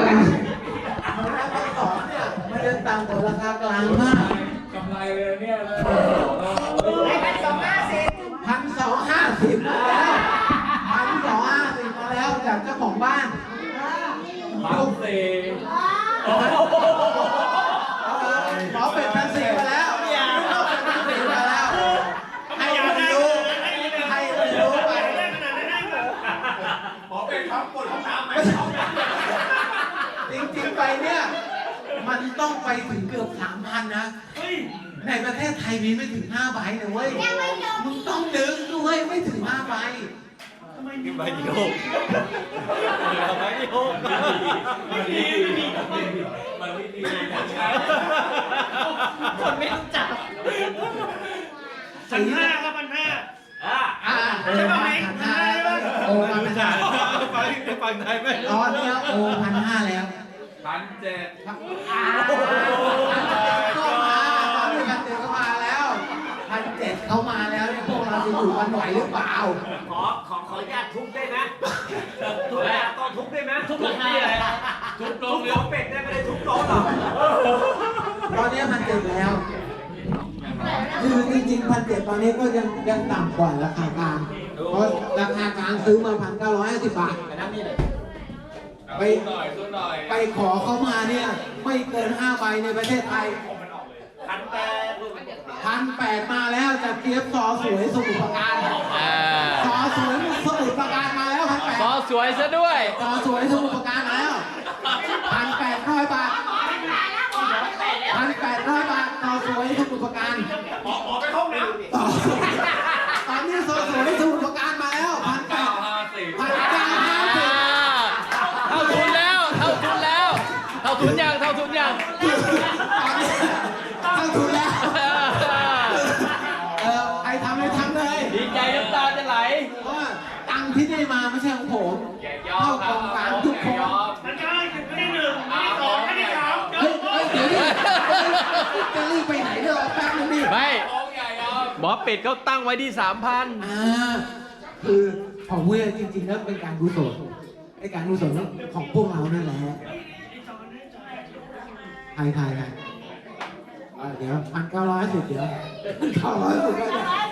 สองเนี่ยมันจะต่ำกว่าราคากลางมากกำไรเลยเนี่ยเลย 1,250มาแล้ว1,250มาแล้วจากเจ้าของบ้าน 1,400 หมอเป็ด1,400มาแล้วหมอเป็ด1,400มาแล้วให้มันรู้ไปหมอเป็นครับปวดห้องน้ำไหมจริงๆไปเนี่ยมันต้องไปถึงเกือบ 3,000 นะในประเทศไทยมีไม่ถึง5 ใบนะเว้ยมึงต้องดึงด้วยไม่ถึง5 ใบขึ้นไปดิโยกทำไมดิโยกคนไม่รู้จัก1,500ครับ1,500ใช่ไหมโอ้1,500 ฟังไทยไหมตอนนี้โอ้1,500แล้ว 1,700 ก็มาตอนนี้1,700ก็มาแล้ว1,700เขามาแล้วเนี่ยพวกเราจะอยู่กันไหวหรือเปล่าขออนุญาตทุบได้ไหมทุบแล้วต้องทุบได้ไหมทุบราคาอะไรทุบโต๊ะเนื้อเป็ดได้ไม่ได้ทุบโต๊ะหรอกตอนนี้1,700แล้วคือจริงๆ1,700ตอนนี้ก็ยังต่ำกว่าราคากลางเพราะราคากลางซื้อมา1,950 บาทไปขอเขามาเนี่ยไม่เกิน5 ใบในประเทศไทย1,800มาแล้วจากเทียบซอสวยสมุทรปราการซอสวยสมุทรปราการมาแล้ว1,800 ซอสวยซะด้วยซอสวยสมุทรปราการมาแล้ว1,800 บาท1,800 บาทซอสวยสมุทรปราการหมอไปห้องน้ำตอนนี้ซอสวยสมุทรปราการมาแล้ว1,950 เท่าทุนแล้วเท่าทุนยังตอนนี้เท่าทุนแล้วใครทำเลยทำเลยดีใจน้ำตาจะไหลเพราะว่าตังค์ที่ได้มาไม่ใช่ของผมเข้ากองกลางทุกคนมันจะไม่ได้1ไม่ได้2ไม่ได้3 เฮ้ยเดี๋ยวนี้จะรีบไปไหนเลยแป๊บนึงดิไม่หมอเป็ดเขาตั้งไว้ที่3,000 คือของเว้ยจริงๆแล้วเป็นการกุศลไอการกุศลของพวกเรานั่นแหละใครเดี๋ยว1,910เดี๋ยว1,910ก็ได้